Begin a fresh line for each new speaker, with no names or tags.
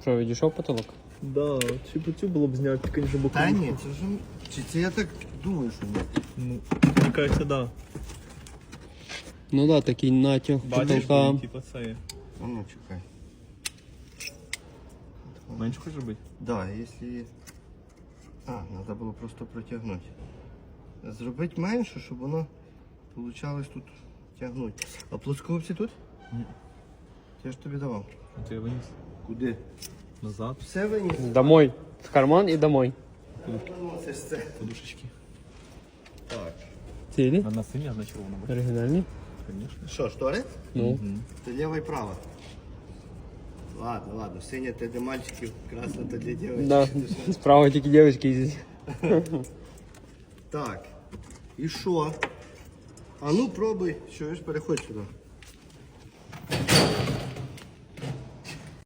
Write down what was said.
Що, відійшов потолок?
Да, чи по цю було б зняти, звісно, бокову.
Та ні, це вже... Чи це я так думаю, що ні?
Ну, мені кажеться, да.
Ну да, такий натяг
Бачиш,
потолка.
типа це є.
А ну, чекай.
Менше хочеш робити?
Да, якщо... треба було просто протягнути. Зробити менше, щоб воно получалось тут тягнути. А плоскогубці тут?
Ні.
Я ж тобі давав.
А ти виніс
Куди?
назад,
Все виніс.
Домой. В карман і домой.
Ну, це ж це.
подушечки.
Так.
Цілі?
На синя, на червона.
Оригінальні?
Звісно.
Що, штори?
Ну.
Це ліва і права. Ладно, синя це для мальчиків, красна це для дівчат.
Да. Справа тільки дівчатки їздять.
Так. І що? А ну пробуй. Що ж, переходь сюди.